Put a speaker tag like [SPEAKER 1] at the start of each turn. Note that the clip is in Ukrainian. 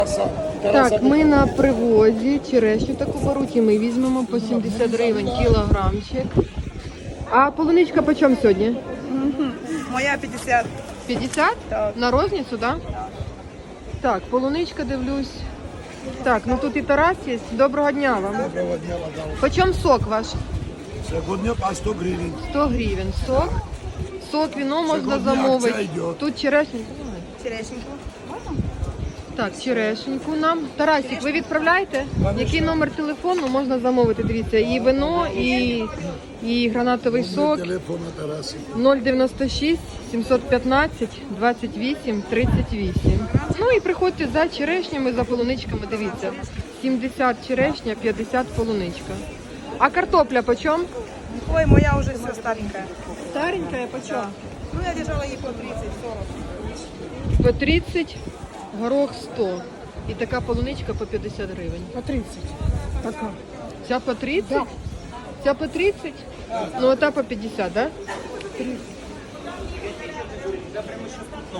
[SPEAKER 1] Так, ми на привозі черешню таку беруть і ми візьмемо по 70 гривень кілограмчик. А полуничка по чому сьогодні?
[SPEAKER 2] Моя 50.
[SPEAKER 1] 50?
[SPEAKER 2] Так.
[SPEAKER 1] На розницю, так? Так, полуничка дивлюсь. Так, ну тут і Тарас є. Доброго дня вам.
[SPEAKER 3] Доброго дня, мадам.
[SPEAKER 1] По чому сок ваш?
[SPEAKER 3] Сьогодні по 100 гривень.
[SPEAKER 1] 100 гривень сок. Сок, віно можна
[SPEAKER 3] Сьогодні
[SPEAKER 1] замовити.
[SPEAKER 3] акція йде.
[SPEAKER 1] Тут черешня.
[SPEAKER 2] Черешеньку.
[SPEAKER 1] Так, черешеньку нам. Тарасик, ви відправляєте? Який номер телефону можна замовити? Дивіться, і вино, і гранатовий сок.
[SPEAKER 3] Телефон на Тарасі.
[SPEAKER 1] 096 715 28 38. Ну і приходьте за черешнями, за полуничками, дивіться. 70 черешня, 50 полуничка. А картопля по чому?
[SPEAKER 2] Ой, моя уже все старенькая.
[SPEAKER 1] Старенькая по чому?
[SPEAKER 2] Ну, я держала її по 30-40.
[SPEAKER 1] По 30, горох 100. І така полуничка по 50 гривень.
[SPEAKER 4] По 30. Така.
[SPEAKER 1] Ця по 30? Ця по 30? Ну, а та по 50, так? Да?